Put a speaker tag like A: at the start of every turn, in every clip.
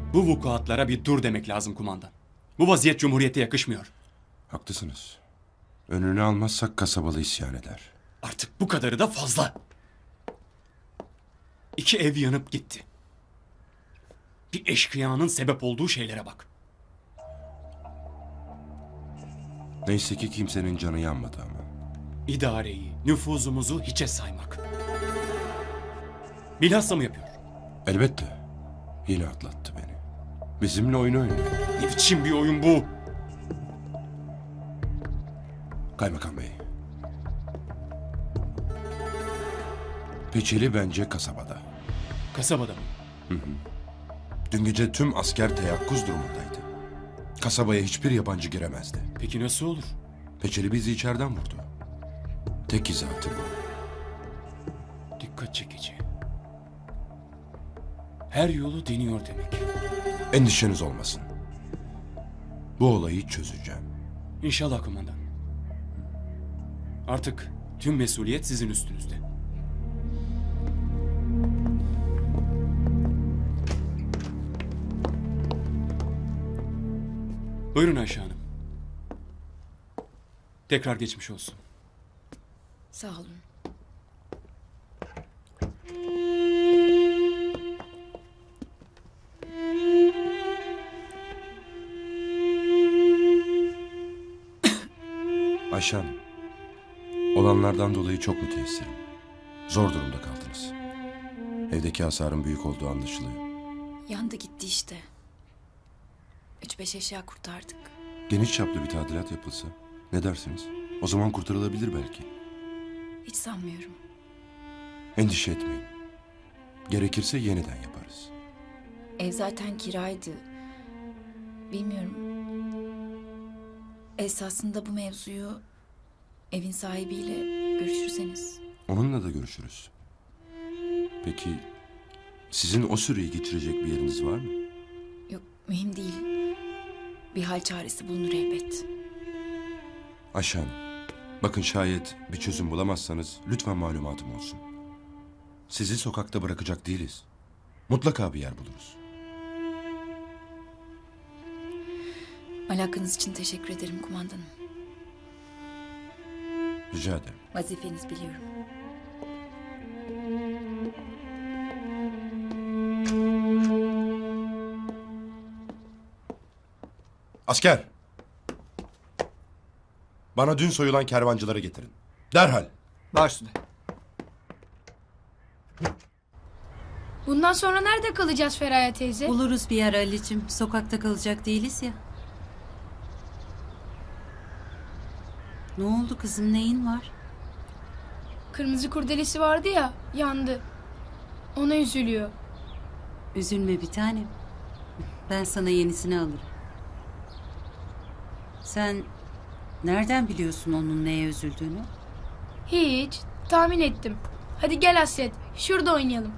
A: Bu vukuatlara bir dur demek lazım kumandan. Bu vaziyet Cumhuriyete yakışmıyor.
B: Haklısınız. Önünü almazsak kasabalı isyan eder.
A: Artık bu kadarı da fazla. 2 ev yanıp gitti. Bir eşkıyanın sebep olduğu şeylere bak.
B: Neyse ki kimsenin canı yanmadı ama.
A: İdareyi, nüfuzumuzu hiçe saymak. Bilhassa mı yapıyor?
B: Elbette. Yine atlattı beni. Bizimle oyun oynuyor.
A: Ne biçim bir oyun bu?
B: Kaymakam Bey. Peçeli bence kasabada.
A: Kasabada mı?
B: Dün gece tüm asker teyakkuz durumundaydı. Kasabaya hiçbir yabancı giremezdi.
A: Peki nasıl olur?
B: Peçeli bizi içeriden vurdu. Tek izahatı bu.
A: Dikkat çekici. Her yolu deniyor demek.
B: Endişeniz olmasın. Bu olayı çözeceğim.
A: İnşallah kumandan. Artık tüm mesuliyet sizin üstünüzde. Buyurun Ayşe Hanım. Tekrar geçmiş olsun.
C: Sağ olun.
B: Ayşe Hanım, olanlardan dolayı çok müteessirim. Zor durumda kaldınız. Evdeki hasarın büyük olduğu anlaşılıyor.
C: Yandı gitti işte. 3-5 eşya kurtardık.
B: Geniş çaplı bir tadilat yapılsa ne dersiniz? O zaman kurtarılabilir belki.
C: Hiç sanmıyorum.
B: Endişe etmeyin. Gerekirse yeniden yaparız.
C: Ev zaten kiraydı. Bilmiyorum. Esasında bu mevzuyu evin sahibiyle görüşürseniz.
B: Onunla da görüşürüz. Peki sizin o süreyi geçirecek bir yeriniz var mı?
C: Yok, mühim değil. Bir hal çaresi bulunur elbet.
B: Ayşe Hanım, bakın şayet bir çözüm bulamazsanız lütfen malumatım olsun. Sizi sokakta bırakacak değiliz. Mutlaka bir yer buluruz.
C: Alakanız için teşekkür ederim kumandanım.
B: Rica ederim.
C: Vazifeniz biliyorum.
B: Asker! Bana dün soyulan kervancıları getirin. Derhal.
D: Baş üstüne.
E: Bundan sonra nerede kalacağız Feraye teyze?
F: Buluruz bir yer Ali'cim. Sokakta kalacak değiliz ya. Ne oldu kızım, neyin var?
E: Kırmızı kurdelesi vardı ya, yandı. Ona üzülüyor.
F: Üzülme bir tanem. Ben sana yenisini alırım. Sen nereden biliyorsun onun neye üzüldüğünü?
E: Hiç, tahmin ettim. Hadi gel Hasret, şurada oynayalım.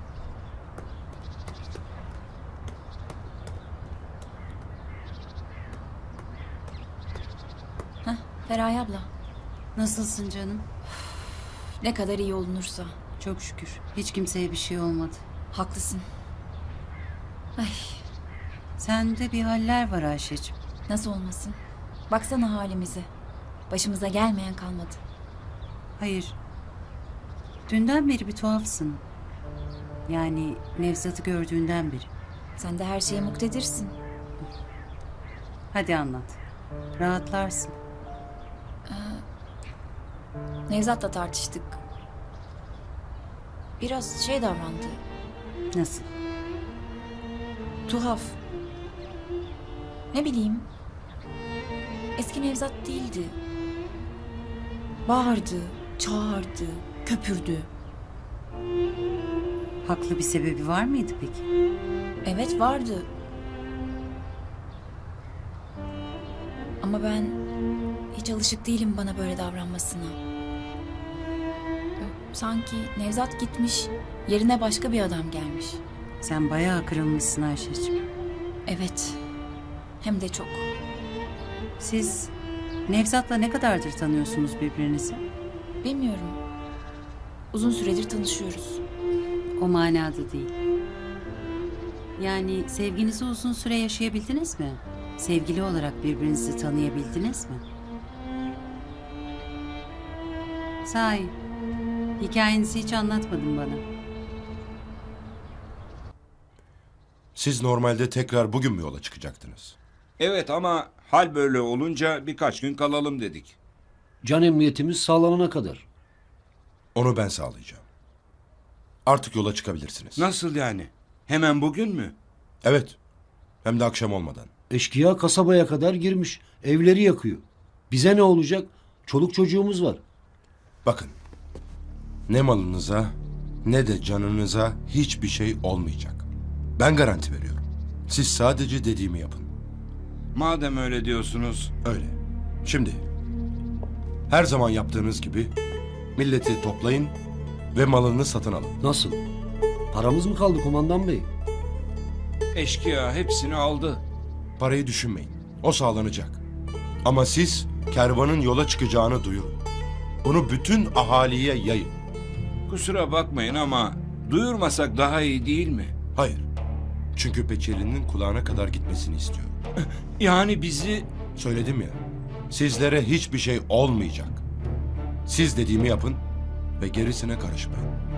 C: Heh, Feraye abla.
F: Nasılsın canım?
C: Ne kadar iyi olunursa.
F: Çok şükür. Hiç kimseye bir şey olmadı.
C: Haklısın. Ay,
F: Sende bir haller var Ayşe'cim.
C: nasıl olmasın? Baksana halimize. Başımıza gelmeyen kalmadı.
F: Hayır. Dünden beri bir tuhafsın. Yani Nevzat'ı gördüğünden beri.
C: Sen de her şeye muktedirsin.
F: Hadi anlat. Rahatlarsın.
C: Nevzat'la tartıştık. Biraz şey davrandı.
F: Nasıl?
C: Tuhaf. Ne bileyim. Eski Nevzat değildi. Bağırdı, çağırdı, köpürdü.
F: Haklı bir sebebi var mıydı peki?
C: Evet vardı. Ama ben hiç alışık değilim bana böyle davranmasına. Sanki Nevzat gitmiş, yerine başka bir adam gelmiş.
F: Sen bayağı kırılmışsın Ayşe'cim.
C: Evet, hem de çok.
F: Siz Nevzat'la ne kadardır tanıyorsunuz birbirinizi?
C: Bilmiyorum. Uzun süredir tanışıyoruz.
F: O manada değil. Yani sevginizi uzun süre yaşayabildiniz mi? Sevgili olarak birbirinizi tanıyabildiniz mi? Sahi, hikayenizi hiç anlatmadın bana.
B: Siz normalde tekrar bugün mü yola çıkacaktınız?
D: Evet ama hal böyle olunca birkaç gün kalalım dedik.
G: Can emniyetimiz sağlanana kadar.
B: Onu ben sağlayacağım. Artık yola çıkabilirsiniz.
D: Nasıl yani? Hemen bugün mü?
B: Evet. Hem de akşam olmadan.
G: Eşkıya kasabaya kadar girmiş. Evleri yakıyor. Bize ne olacak? Çoluk çocuğumuz var.
B: Bakın. Ne malınıza ne de canınıza hiçbir şey olmayacak. Ben garanti veriyorum. Siz sadece dediğimi yapın.
D: Madem öyle diyorsunuz.
B: Öyle. Şimdi her zaman yaptığınız gibi milleti toplayın ve malını satın alın.
G: Nasıl? Paramız mı kaldı kumandan bey?
D: Eşkıya hepsini aldı.
B: Parayı düşünmeyin. O sağlanacak. Ama siz kervanın yola çıkacağını duyurun. Bunu bütün ahaliye yayın.
D: Kusura bakmayın ama duyurmasak daha iyi değil mi?
B: Hayır. Çünkü Peçeli'nin kulağına kadar gitmesini istiyorum.
D: Yani bizi...
B: Söyledim ya. Sizlere hiçbir şey olmayacak. Siz dediğimi yapın ve gerisine karışmayın.